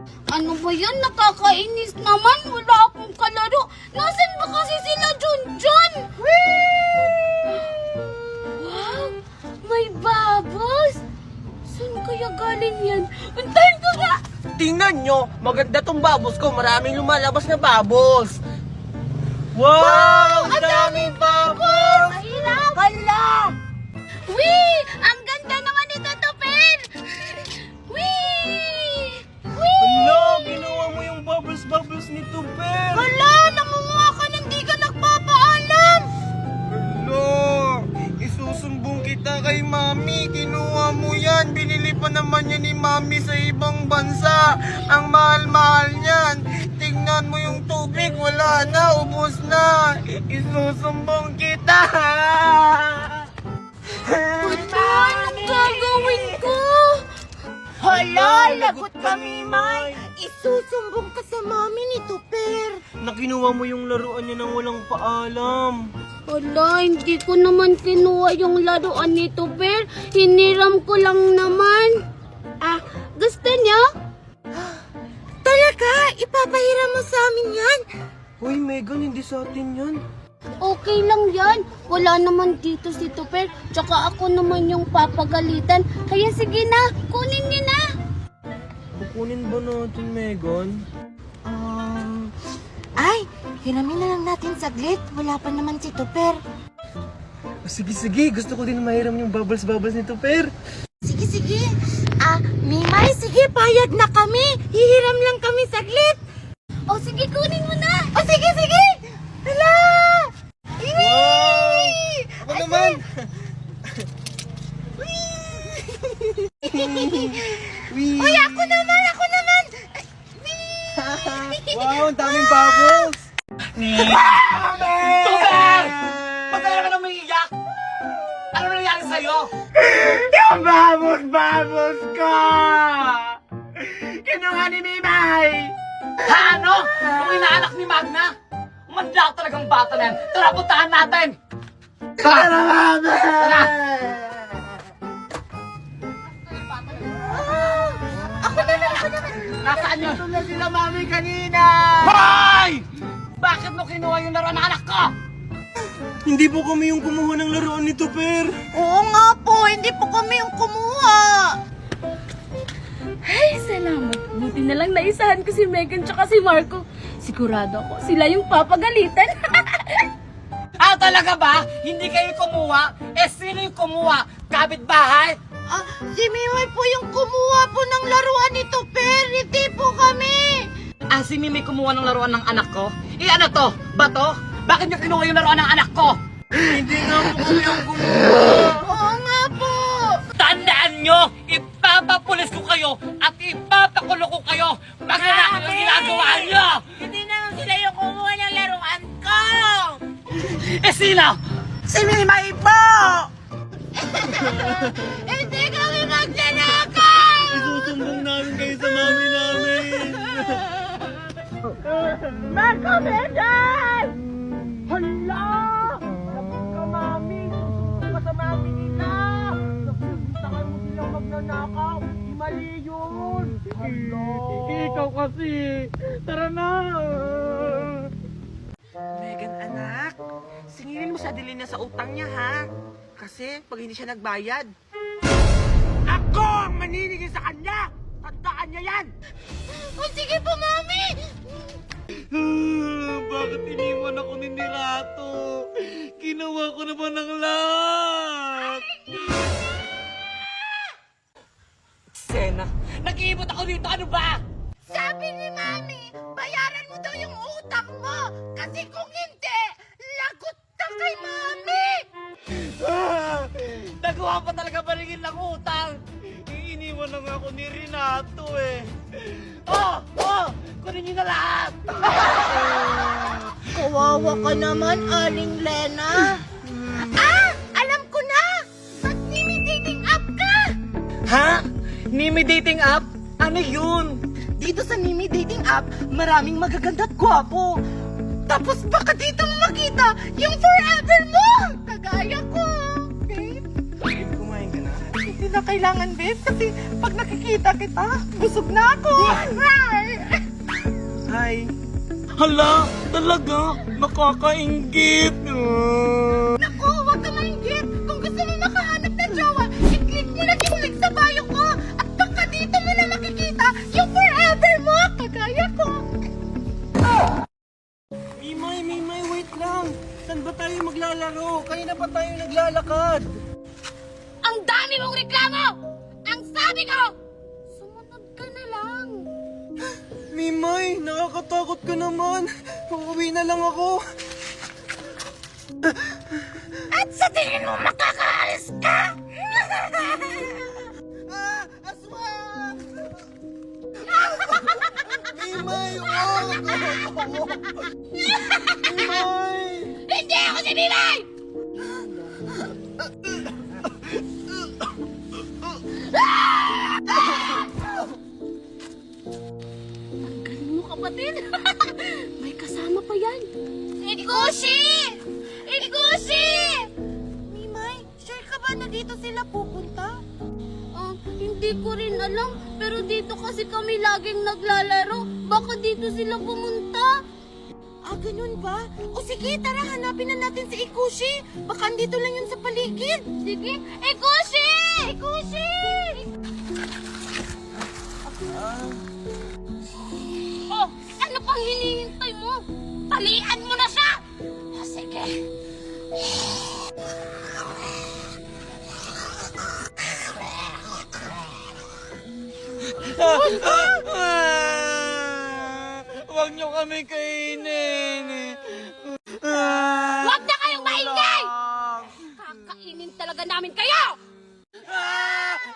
Ano ba yan? Nakakainis naman. Wala akong kalaro. Nasaan ba kasi sila Junjun? Wow! May bubbles! Saan kaya galing yan? Antayin ko nga! Tingnan nyo, maganda tong bubbles ko. Maraming lumalabas na bubbles. Wow! Ang daming bubbles! Mahirap! Hala! Wee! Ang ganda naman nito, Tupper! Wee! Wee! Hala, ginawa mo yung bubbles ni Tupper. Hala! Namumuha ka nang di ka nagpapaalam! Hala, isusumbong kita kay Mami. Kinuha mo yan. Binili pa naman yan ni Mami sa ibang bansa. Ang mahal-mahal niyan. Tingnan mo yung tubig. Wala na, ubos na. Isusumbong kita. Anong gagawin ko? Hala, lagot kami, May. Isusumbong ka sa mami ni Tupper. Nakinuha mo yung laruan niya nang walang paalam. Hala, hindi ko naman kinuha yung laruan ni Tupper. Hiniram ko lang naman. Ah, gusto niya? Talaga? Ipapahiram mo sa amin yan? Hoy, Megan, hindi sa atin yan. Okay lang yan. Wala naman dito si Tupper. Tsaka ako naman yung papagalitan. Kaya sige na, kunin niyo na. Kukunin ba natin, Megan? Ay, hiramin na lang natin saglit. Wala pa naman si Tupper. Sige. Gusto ko din mahiram yung bubbles ni Tupper. Sige. Mimay, sige, payag na kami. Hihiram lang kami saglit. O sige, kunin mo na. O sige. Hala! Wow! Ako naman! Uy, ako naman! Wow, ang daming bubbles! Tupper! Ba't ka nang umiiyak? Ano nangyari sa'yo? Yung bubbles ko! Kinuha ni Mimay! Ano? Yung inaanak ni Magna? Manda talagang bata na yan. Tara, puntahan natin! Tara! Tara! Ako naman! Nasaan yun? Ito na sila Mami kanina! Hoy! Bakit mo kinuha yung laruan ng anak ko? Hindi po kami yung kumuha ng laruan ni Tupper. Oo nga po, hindi po kami yung kumuha. Ay, salamat. Buti na lang naisahan ko si Megan tsaka si Marco. Sigurado ako, sila yung papagalitan. Talaga ba? Hindi kayo kumuha? Sino yung kumuha? Kapitbahay? Si Mimay po yung kumuha po ng laruan ni Tupper, hindi po kami. Si Mimi kumuha ng laruan ng anak ko? Ano to? Bato? Bakit niyo kinuha yung laruan ng anak ko? Hindi nga po kami yung kumuha. Oo nga po. Tandaan nyo, ipapapulis ko kayo at ipapakulo ko kayo. Magnanakaw yung ginagawa nyo! Hindi naman sila yung kumuha ng laruan ko. Sino? Si Mimay po! Hindi kami magnanakaw. Isusumbong namin kayo sa Mami namin. Marco Megan! Hala! Lapot ka, Mami! Susunod ka sa Mami nila! Nagsasabitan mo silang magnanakaw! Mali yun! Hala! Ikaw kasi. Tara na. Megan, anak, singilin mo sa Adelina sa utang niya, ha? Kasi pag hindi siya nagbayad, ako ang maninigil sa kanya! Tandaan niya yan! O sige po, Mami! Bakit iniwan ako ni Nirato? Ginawa ko naman ng lahat. Sena, nag-iibot ako dito. Ano ba? Sabi ni Mami, bayaran mo daw yung utang mo! Kasi kung hindi, lagot ka kay Mami! Nagawa pa talaga baringin ng utang. Iniwan na nga ako ni Renato eh. Kunin niyo na lahat. Kawawa ka naman, Aling Lena. Alam ko na! Mag-dating app ka! Ha? Nimi dating app? Ano yun? dito sa Mimi Dating App, maraming magaganda at gwapo. Tapos baka dito mo makita yung forever mo! Kagaya ko, babe. Babe, kumain ka na? Hindi na kailangan, babe, kasi pag nakikita kita, busog na ako. Hala, talaga? Nakakaingit. Naku, huwag ka mainggit. Kung gusto mo makahanap ng jowa, i-click mo na yung link sa bio ko. At baka dito mo na makikita yung forever mo, kagaya ko. Mimay, wait lang. Saan ba tayo maglalaro? Kanina pa tayo naglalakad. Ang dami mong reklamo! Ang sabi ko, sumunod ka na lang. Mimay, nakakatakot ka naman. Uuwi na lang ako. At sa tingin mo makakaalis ka? Aswang! Mimay, wag! Mimay! Hindi ako si Mimay! Ang galing mo, kapatid. May kasama pa yan. Ikushi! Ikushi! Mimay, sure ka ba na dito sila pupunta? Hindi ko rin alam. Pero dito kasi kami laging naglalaro. Baka dito sila pumunta. Ganun ba? O sige, tara, hanapin na natin si Ikushi. Baka andito lang yun sa paligid. Sige. Ikushi! Ikushi! Oh, ano pang hinihintay mo? Talian mo na siya! O sige. Huwag niyo kami kainin. Huwag na kayong maingay! Kakainin talaga namin kayo!